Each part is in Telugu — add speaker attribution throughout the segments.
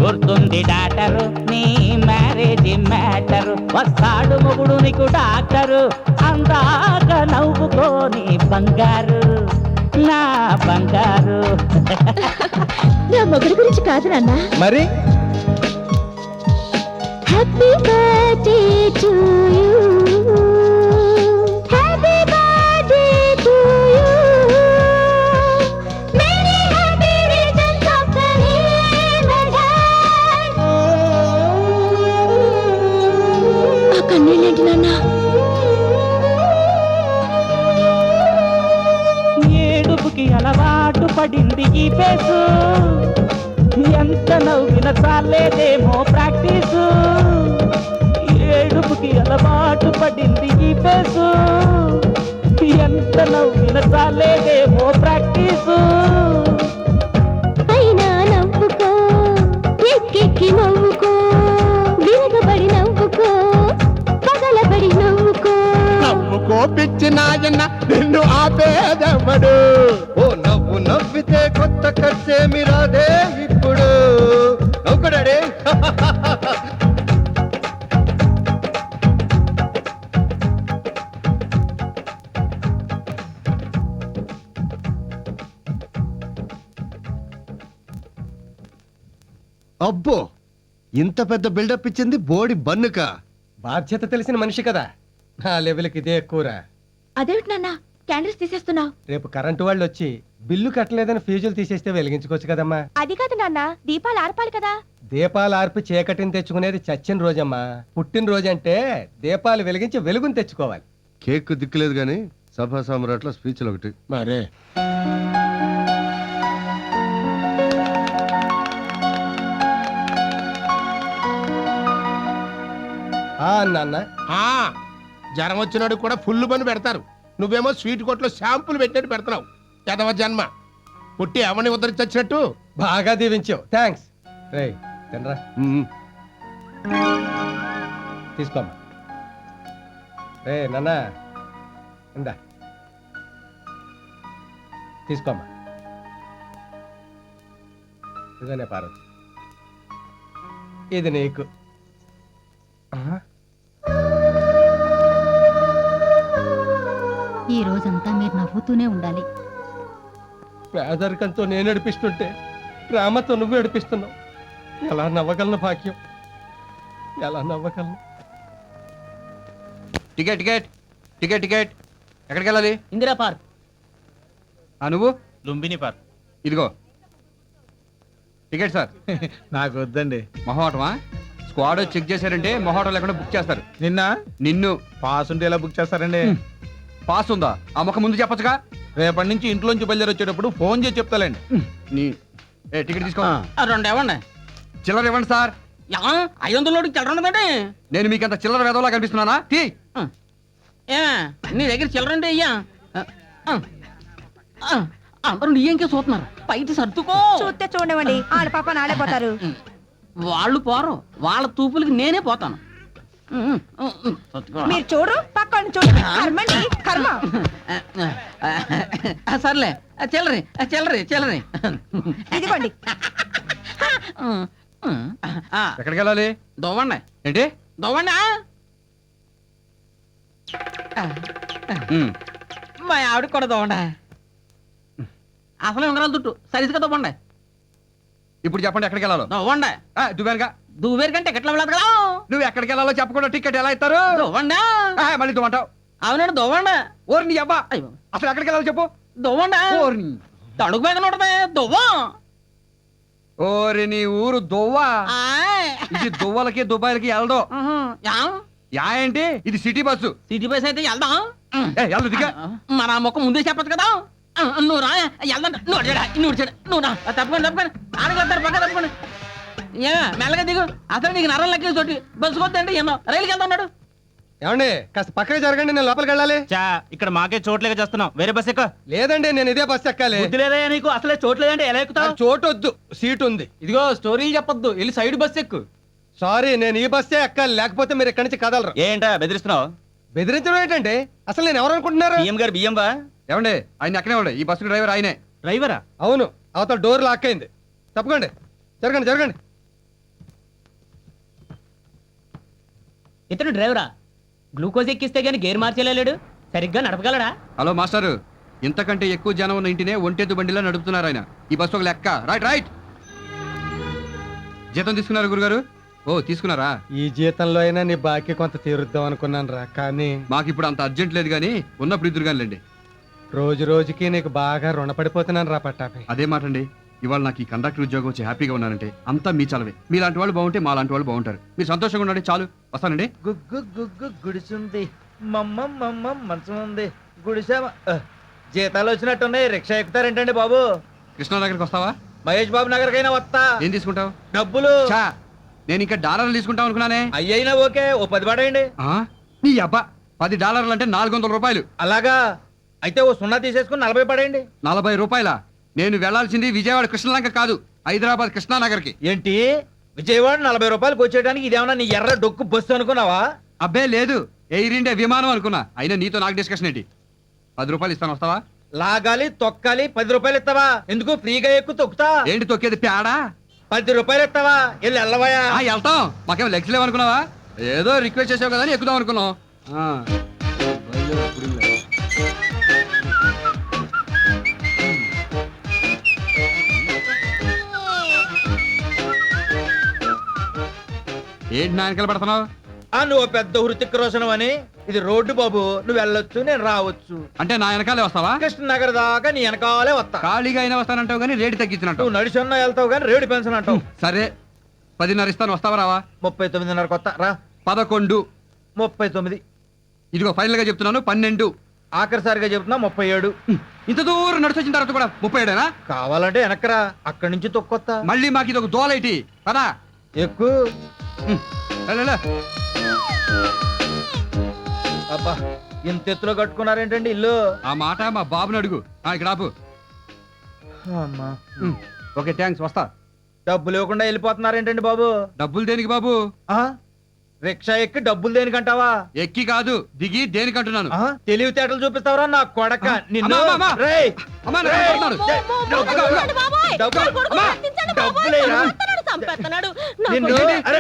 Speaker 1: గుర్తుంది డాక్టరు నీ మ్యారేజ్ మ్యాటరు, వస్తాడు మొగుడు నీకు డాక్టరు, అందాక నవ్వుకోని బంగారు నా బంగారు.
Speaker 2: నా మొగుడు గురించి కాదు నాన్న.
Speaker 3: మరి
Speaker 2: happy birthday to you, happy birthday to you, many happy returns of the day my dad. ఆ కన్నీళ్ళేంటి నాన్న?
Speaker 1: ఏడుపుకి అలవాటు పడింది ఈ పేసు, ఎంత నవ్విన చాలేదేమో ప్రాక్టీసు. ఏడుపుకి అలవాటు పడింది ఈ పేసు, ఎంత నవ్విన చాలేదేమో ప్రాక్టీసు.
Speaker 2: అయినా నవ్వుకో, ఎక్కెక్కి నవ్వుకో, విరగబడి నవ్వుకో, పగలబడి నవ్వుకో.
Speaker 3: నవ్వుకో పిచ్చి నాయన్న, నిన్ను ఆపేదెవడు? ఓ నవ్వు నవ్వితే కొత్త ఖర్చేమి రాదే ఇప్పుడు. నవ్వుకుడాడే. అబ్బో, ఇంత పెద్ద బిల్డప్ ఇచ్చింది బోడి బన్నుక.
Speaker 4: బాధ్యత తెలిసిన మనిషి కదా, నా లెవెల్కి ఇదే ఎక్కువరా.
Speaker 2: అదేమిటి నాన్న క్యాండిల్స్ తీసేస్తున్నావు?
Speaker 4: రేపు కరెంటు వాళ్ళు వచ్చి బిల్లు కట్టలేదని ఫీజులు తీసేస్తే వెలిగించుకోవచ్చు కదమ్మా.
Speaker 2: అది కాదు నాన్న, దీపాలు ఆర్పాలి కదా.
Speaker 4: దీపాలు ఆర్పి చీకటిని తెచ్చుకునేది చచ్చిన రోజమ్మా. పుట్టినరోజు అంటే దీపాలు వెలిగించి వెలుగుని తెచ్చుకోవాలి.
Speaker 3: కేక్ దిక్కులేదు గాని సభా సామ్రాట్ల స్పీచ్లు ఒకటి మరే.
Speaker 4: నాన్న
Speaker 5: జ్వరం వచ్చినాడు కూడా ఫుల్ పని పెడతారు, నువ్వేమో స్వీట్ కొట్లో షాంపులు పెట్టినట్టు పెడుతున్నావు. ఎదవ జన్మ, పుట్టి అవని ఉద్ధరించొచ్చినట్టు.
Speaker 4: బాగా దీవించావు, థ్యాంక్స్. రే తినరా, తీసుకోమ్మా. రే నాన్న ఇందా తీసుకోమ్మా. ఇదనే పార్వతి, ఇది నీకు.
Speaker 2: ఈ రోజంతా మీరు నవ్వుతూనే ఉండాలి.
Speaker 4: పేదరికంతో నేను నడిపిస్తుంటే ప్రేమతో నువ్వు నడిపిస్తున్నావు. ఎలా నవ్వగలను భాగ్యం, ఎలా నవ్వగలను?
Speaker 6: Ticket ticket ticket ticket. ఎక్కడికి వెళ్ళాలి?
Speaker 1: ఇందిరా పార్క్.
Speaker 6: నువ్వు?
Speaker 1: లుంబిని పార్క్.
Speaker 6: ఇదిగో టికెట్ సార్.
Speaker 7: నాకు వద్దండి.
Speaker 6: మొహోటమా? స్క్వాడ్ చెక్ చేశారంటే మొహోటం లేకుండా బుక్ చేస్తారు. నిన్ను
Speaker 7: పాస్ ఉంటే ఎలా బుక్ చేస్తారండి?
Speaker 6: పాస్ ఉందా? ఆ మొక్క ముందు చెప్పచ్చుగా.
Speaker 7: రేపటి నుంచి ఇంట్లోంచి బయలుదేరి వచ్చేటప్పుడు ఫోన్ చేసి చెప్తాలేండి.
Speaker 6: టికెట్ తీసుకో.
Speaker 1: 2 ఇవ్వండి.
Speaker 6: చిల్లర ఇవ్వండి సార్.
Speaker 1: 500 చిల్లర ఉండదండి.
Speaker 6: నేను మీకు అంత చిల్లర వేదవలా కనిపిస్తున్నానా?
Speaker 1: నీ దగ్గర చిల్లర అంటే అయ్యా అందరూ నీ ఇంకే చూస్తున్నారు, పైకి సర్దుకో.
Speaker 8: చూస్తే చూడవండి, వాళ్ళ పాప నాలే పోతారు.
Speaker 1: వాళ్ళు పోరు, వాళ్ళ తూపులకి నేనే పోతాను.
Speaker 8: మీరు చూడు, పక్కన చూడు. కర్మండి, కర్మ.
Speaker 1: సర్లే, చిల్లరి చిల్లరి చిల్లరి
Speaker 8: ఇదిగోండి.
Speaker 6: ఎక్కడికి వెళ్ళాలి?
Speaker 1: దొవ్వండి.
Speaker 6: ఏంటి
Speaker 1: దొవ్వండి. మా ఆవిడ కూడా దొవ్వండి. అసలే ఉంగరాలు తుట్టు సరిగ్గా దొవ్వండి.
Speaker 6: ఇప్పుడు చెప్పండి ఎక్కడికి వెళ్ళాలో.
Speaker 1: దొవ్వండి.
Speaker 6: దువ్వానుగా.
Speaker 1: దువ్వేరు కంటే ఎట్లా వెళ్ళదు కదా.
Speaker 6: నువ్వు ఎక్కడికి వెళ్ళాలో చెప్పకుండా టికెట్ ఎలా ఇస్తారు?
Speaker 1: దొవ్వండి.
Speaker 6: మళ్ళీ దువ్వంటావు.
Speaker 1: అవునండి దొవ్వండి.
Speaker 6: ఓరి నీ అబ్బా, అసలు ఎక్కడికి వెళ్ళాలో చెప్పు.
Speaker 1: దొవ్వండి. తడుగు మీద ఉండదే దువ్వం.
Speaker 6: ఓరి నీ ఊరు దువ్వా. ఇది దువ్వలకి దుబాయ్లకి వెళ్దాం. యా ఏంటి? ఇది సిటీ బస్సు.
Speaker 1: సిటీ బస్ అయితే వెళ్దాం.
Speaker 6: వెళ్దు దిగా.
Speaker 1: మన మొక్క ముందే చెప్పచ్చు కదా. నువ్వు రా వెళ్దాం. నువ్వు రా తప్పకుండా ఆడగలుగుతారు పక్క తప్పకుండా. మెల్లగా దిగు. అసలు నీకు నరం లెక్క చోటి బస్సు కొద్దండి ఎన్నో రైలుకి వెళ్తా ఉన్నాడు.
Speaker 4: ఏమండి కాస్త పక్కనే జరగండి, నేను లోపలికి వెళ్ళాలి.
Speaker 1: ఇక్కడ మాకే చోట్లేక చేస్తున్నాం, వేరే బస్ ఎక్క.
Speaker 4: లేదండి, నేను ఇదే బస్ ఎక్కాలి.
Speaker 1: లేదయ్యా నీకు, అసలే చోట్లేదంటే ఎలా ఎక్కుతావు?
Speaker 4: చోటు వద్దు, సీట్ ఉంది.
Speaker 1: ఇదిగో స్టోరీలు చెప్పొద్దు, వెళ్ళి సైడ్ బస్ ఎక్కు.
Speaker 4: సారీ, నేను ఈ బస్సే ఎక్కాలి, లేకపోతే మీరు ఇక్కడి నుంచి కదలరు.
Speaker 1: ఏంటా బెదిరిస్తున్నావు?
Speaker 4: బెదిరించడం ఏంటంటే అసలు నేను ఎవరు అనుకుంటున్నారు?
Speaker 1: బియ్యం గారు బియ్యం బా.
Speaker 6: ఏమండి ఆయన ఎక్కడే ఉండే, ఈ బస్సు డ్రైవర్ ఆయనే.
Speaker 1: డ్రైవరా?
Speaker 4: అవును, అవతల డోర్ లాక్ అయింది. తప్పకండి, జరగండి జరగండి.
Speaker 1: ఇతను డ్రైవరా? గ్లూకోజ్ ఎక్కిస్తే గానీ గేర్ మార్చేలేడు, సరిగ్గా నడపగలడా?
Speaker 6: హలో మాస్టారు, ఇంతకంటే ఎక్కువ జనం ఉన్న ఇంటినే ఒంటెద్దు బండిలా నడుపుతున్నారు ఆయన. ఈ బస్సు ఒక లెక్క. Right right. జీతం తీసుకున్నారు గురుగారు? ఓ తీసుకున్నారా?
Speaker 4: ఈ జీతంలో అయినా నీ బాకీ కొంత తీరుద్దాం అనుకున్నాను రా, కానీ
Speaker 6: మాకు ఇప్పుడు అంత అర్జెంట్ లేదు కానీ ఉన్నప్పుడు ఇద్దరు కానిలేండి.
Speaker 4: రోజు రోజుకి నీకు బాగా రుణపడిపోతున్నాను రా పట్టాపి.
Speaker 6: అదే మాట అండి. ఇవాళ నాకు ఈ కండక్టర్ ఉద్యోగం వచ్చి హ్యాపీగా ఉన్నానంటే అంతా మీ చలవే. మీలాంటి వాళ్ళు బాగుంటే మా లాంటి వాళ్ళు బాగుంటారు. మీరు సంతోషంగా ఉండండి చాలు. వస్తానండి.
Speaker 9: గుగ్గు గుగ్గు గుడిసుంది, మమ్మ మమ్మ మంచం ఉంది, గుడిసా జీతాలు వచ్చినట్టున్నాయి. రిక్షా ఎక్కుతారేంటండి బాబు?
Speaker 6: కృష్ణానగర్కి వస్తావా?
Speaker 9: మహేష్ బాబు నగర్కైనా వస్తా.
Speaker 6: ఏం తీసుకుంటావు?
Speaker 9: డబ్బులు
Speaker 6: చా, నేను ఇంకా డాలర్లు తీసుకుంటాం అనుకున్నానే.
Speaker 9: అయ్యైనా ఓకే, ఓ 10 పడేయండి.
Speaker 6: ఆ? నీ అబ్బా, $10 అంటే 400 రూపాయలు.
Speaker 9: అలాగా అయితే ఓ 0 తీసేసుకుని 40 పడేయండి.
Speaker 6: 40 రూపాయల? నేను వెళ్లాల్సింది విజయవాడ కృష్ణలంక కాదు, హైదరాబాద్ కృష్ణానగర్కి.
Speaker 9: ఏంటి విజయవాడ 40 రూపాయలకు వచ్చేయడానికి ఇదేమన్నా నీ ఎర్ర డొక్కు బస్సు అనుకున్నావా?
Speaker 6: అబ్బే లేదు, ఎయిర్ ఇండియా విమానం అనుకున్నా. అయినా నీతో నాకు డిస్కషన్ ఏంటి? 10 రూపాయలు ఇస్తాను, వస్తావా?
Speaker 9: లాగాలి తొక్కాలి, 10 రూపాయలు ఇస్తావా? ఎందుకు ఫ్రీగా ఎక్కు తొక్కుతా?
Speaker 6: ఏంటి తొక్కేది, పేడా?
Speaker 9: 10 రూపాయలు ఇస్తావా? వెళ్ళి వెళ్ళవయా.
Speaker 6: వెళ్తాం, మాకేం లెగ్స్ లేవనుకున్నావా? ఏదో రిక్వెస్ట్ చేసావు కదా అని ఎక్కుదాం అనుకున్నాం. ఆ. ఏంటి నాయనకలు పడుతున్నావు?
Speaker 9: నువ్వు పెద్ద హృతిక్ రోషన్ అని. ఇది రోడ్డు బాబు, నువ్వు వెళ్ళొచ్చు నేను రావచ్చు.
Speaker 6: అంటే నా వెనకాలే వస్తావా?
Speaker 9: కృష్ణనగర్ దాకా నీ వెనకాలే వస్తా.
Speaker 6: ఖాళీగా అయినా వస్తానంటావు కానీ రేటు తగ్గించినట్టు.
Speaker 9: నువ్వు నడిచొన్నా వెళ్తావు కానీ రేడు పెన్షన్ అంటావు.
Speaker 6: సరే 10:30 ఇస్తాను, వస్తావా రావా?
Speaker 9: 39:30 కొత్త రా.
Speaker 6: 11.
Speaker 9: 39.
Speaker 6: ఇదిగో ఫైనల్ గా చెప్తున్నాను 12.
Speaker 9: ఆఖరిసారిగా చెప్తున్నా 37.
Speaker 6: ఇంత దూరం నడిచి వచ్చిన తర్వాత కూడా 37
Speaker 9: కావాలంటే వెనకరా, అక్కడి నుంచి తొక్కొత్తా.
Speaker 6: మళ్ళీ మాకు ఇది ఒక దోలైటి పదా.
Speaker 9: ఎక్కువ అబ్బా, ఇంత ఎత్తులో కట్టుకున్నారేంటండి ఇల్లు?
Speaker 6: ఆ మాట మా బాబుని అడుగు. ఇక్కడ ఆపు.
Speaker 9: అమ్మా,
Speaker 6: ఓకే థ్యాంక్స్, వస్తా.
Speaker 9: డబ్బులు ఇవ్వకుండా వెళ్ళిపోతున్నారేంటండి బాబు?
Speaker 6: డబ్బులు దేనికి బాబు?
Speaker 9: ఆ రిక్షా ఎక్కి డబ్బులు దేనికంటావా?
Speaker 6: ఎక్కి కాదు, దిగి దేనికంటున్నాను.
Speaker 9: తెలివితేటలు చూపిస్తావరా నా కొడక నిన్ను.
Speaker 6: అమ్మా, అమ్మా, అమ్మా.
Speaker 9: రేయ్,
Speaker 6: అమ్మా, నన్ను
Speaker 9: రేయ్,
Speaker 6: కొడుతున్నాడు.
Speaker 9: డబ్బులు-
Speaker 6: అమ్మా.
Speaker 9: డబ్బులేరా? నిన్ను- అరే,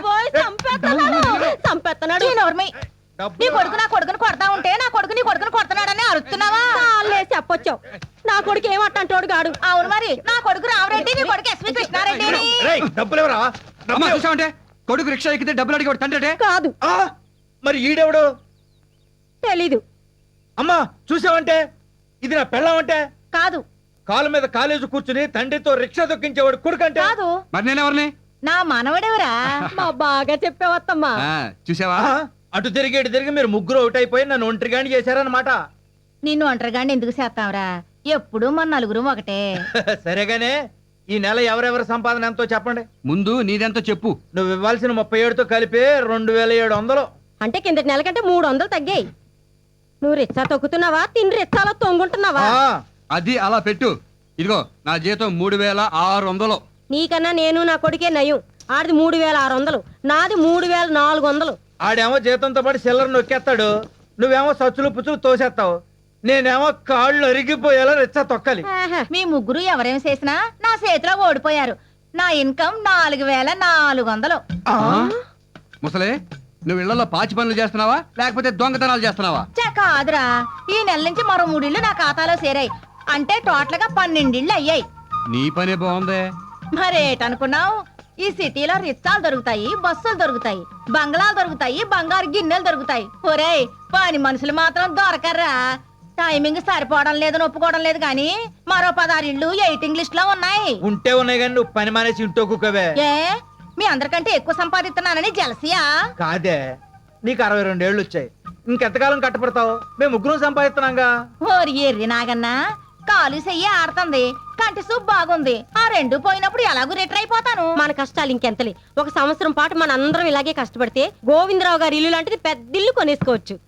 Speaker 9: డబ్బులు-
Speaker 8: నీ కొడుకు నా కొడుకుని కొడతా ఉంటే నా కొడుకు నీ కొడుకుని కొడుతున్నాడని అరుస్తున్నావా? చెప్పొచ్చావు. నా కొడుకు ఏమంటాడు గాడు? అవును మరి, నా కొడుకు రామరెడ్డి, నీ కొడుకు ఎస్వి కృష్ణారెడ్డి.
Speaker 9: రేయ్, డబ్బులు ఎవరా?
Speaker 6: అమ్మా చూసావంటే కొడుకు రిక్షా ఎక్కితే డబ్బులు అడిగేవాడు తండ్రి.
Speaker 8: కాదు,
Speaker 9: మరి ఈడెవడు?
Speaker 8: తెలీదు.
Speaker 9: అమ్మా చూసావంటే ఇది నా పెళ్ళం అంటే?
Speaker 8: కాదు
Speaker 9: కాలు మీద కాలేజీ కూర్చుని తండ్రితో రిక్షా దొక్కించేవాడు కొడుకంటే?
Speaker 8: కాదు,
Speaker 6: మరి నేనెవరిని?
Speaker 8: నా మనవడెవరా? మా బాగా చెప్పేవత్తమ్మా.
Speaker 6: చూసావా?
Speaker 9: అటు తిరిగి ఇటు తిరిగి మీరు ముగ్గురు అవుట్ అయిపోయి నన్ను ఒంటరిగాని చేశారన్నమాట.
Speaker 8: నిన్ను ఒంటరిగాని ఎందుకు చేస్తావురా? ఎప్పుడు మన నలుగురు ఒకటే.
Speaker 9: సరేగానే ఈ నెల ఎవరెవరి సంపాదన ఎంతో చెప్పండి.
Speaker 6: ముందు నీదెంతో చెప్పు.
Speaker 9: నువ్వు ఇవ్వాల్సిన 37తో కలిపి 2700.
Speaker 8: అంటే కిందటి నెల కంటే 300 తగ్గాయి. నువ్వు రిచ్చా తొక్కుతున్నావా, తిని రిచ్చాలో తొంగుంటున్నావా?
Speaker 6: అది అలా పెట్టు. ఇదిగో నా జీతం 3600.
Speaker 8: నీకన్నా నేను నా కొడుకే నయం. ఆడిది 3600, నాది 3400.
Speaker 9: ఆడేమో జీతంతో పాటు సిల్లర్ నొక్కేస్తాడు, నువ్వేమో సచ్చులు పుచ్చులు తోసేస్తావు. నేనేమో కాళ్ళు అరిగిపోయేలా రిచ్చా తొక్కాలి.
Speaker 8: మీ ముగ్గురు ఎవరేం చేసినా నా చేతిలో ఓడిపోయారు. నా ఇన్కమ్ 4400.
Speaker 6: ముసలే, నువ్వు ఇళ్లలో పాచి పనులు చేస్తున్నావా లేకపోతే దొంగతనాలు చేస్తున్నావా?
Speaker 8: కాదురా, ఈ నెల నుంచి మరో 3 ఇళ్ళు నా ఖాతాలో చేరాయి. అంటే టోటల్ గా 12 ఇళ్ళు అయ్యాయి.
Speaker 6: నీ పనే బాగుందే.
Speaker 8: మరేటనుకున్నావు? ఈ సిటీలో రిచ్చాలు దొరుకుతాయి, బస్సులు దొరుకుతాయి, బంగ్లాలు దొరుకుతాయి, బంగారు గిన్నెలు దొరుకుతాయి. ఒరేయ్, పని మనుషులు మాత్రం దొరకర్రా. టైమింగ్ సరిపోవడం లేదని ఒప్పుకోవడం లేదు కానీ మరో 16 ఇళ్ళు వెయిటింగ్ లిస్ట్ లో ఉన్నాయి.
Speaker 9: ఉంటే ఉన్నాయి కానీ నువ్వు పని మానేసి ఇంట్లో కుక్కవే.
Speaker 8: ఏ మీ అందరికంటే ఎక్కువ సంపాదిస్తున్నానని జలసియా?
Speaker 9: కాదే, నీకు 62 ఏళ్ళు వచ్చాయి, ఇంకెంతకాలం కట్టపడతావు? మేము ముగ్గురు సంపాదిస్తున్నాంగా.
Speaker 8: ఓరి ఎర్రి నాగన్నా, కాలు చెయ్యి ఆడుతుంది, కంటి సూప్ బాగుంది. ఆ 2 పోయినప్పుడు ఎలాగూ రిటర్ అయిపోతాను. మన కష్టాలు ఇంకెంతలే. 1 సంవత్సరం పాటు మన అందరం ఇలాగే కష్టపడితే గోవిందరావు గారి ఇల్లు లాంటిది పెద్ద ఇల్లు కొనేసుకోవచ్చు.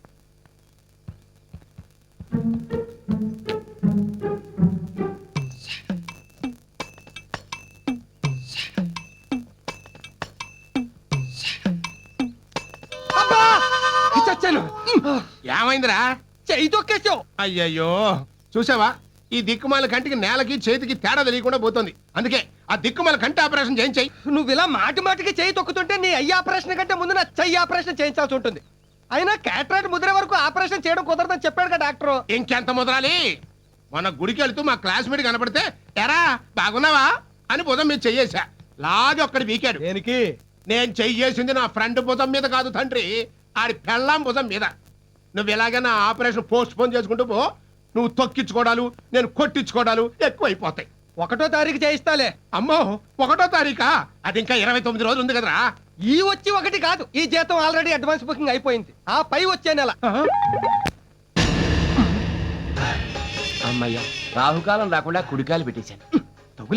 Speaker 5: ఏమైందిరా?
Speaker 4: చెయ్యి తొక్కేసావు.
Speaker 5: అయ్యయ్యో, చూసావా? ఈ దిక్కుమాల కంటికి నేలకి చేతికి తేడా తెలియకుండా పోతుంది. అందుకే ఆ దిక్కుమల కంటి ఆపరేషన్ చేయించాయి.
Speaker 4: నువ్వు ఇలా మాటి మాటికి చేయి తొక్కుతుంటే నీ అయ్యి ఆపరేషన్ కంటే ముందు నా చెయ్యి ఆపరేషన్ చేయించాల్సి ఉంటుంది. అయినా క్యాటరాక్ట్ ముద్ర వరకు ఆపరేషన్ చేయడం కుదరదని చెప్పాడు కదా డాక్టర్.
Speaker 5: ఇంకెంత ముదరాలి? మన గుడికి వెళ్తూ మా క్లాస్మేట్ కనపడితే ఎరా బాగున్నావా అని భుజం మీద చెయ్యేశా. లాగి ఒక్కడి వీకాడు.
Speaker 4: దేనికి?
Speaker 5: నేను చెయ్యేసింది నా ఫ్రెండ్ భుజం మీద కాదు తండ్రి, ఆడి పెళ్ళాం భుజం మీద. నువ్వు ఎలాగైనా ఆపరేషన్ పోస్ట్ పోన్ చేసుకుంటూ పో. నువ్వు తొక్కించుకోవడాలు, నేను కొట్టించుకోవడాలు ఎక్కువైపోతాయి.
Speaker 4: 1వ తారీఖు చేయిస్తాలే.
Speaker 5: అమ్మో 1వ తారీఖా? అది ఇంకా 29 రోజులు ఉంది కదరా.
Speaker 4: ఈ వచ్చి 1 కాదు, ఈ జీతం ఆల్రెడీ అడ్వాన్స్ బుకింగ్ అయిపోయింది. ఆ పై వచ్చే నెల.
Speaker 1: అమ్మయ్యా రాహుకాలం రాకుండా కుడికాయలు పెట్టేశాను.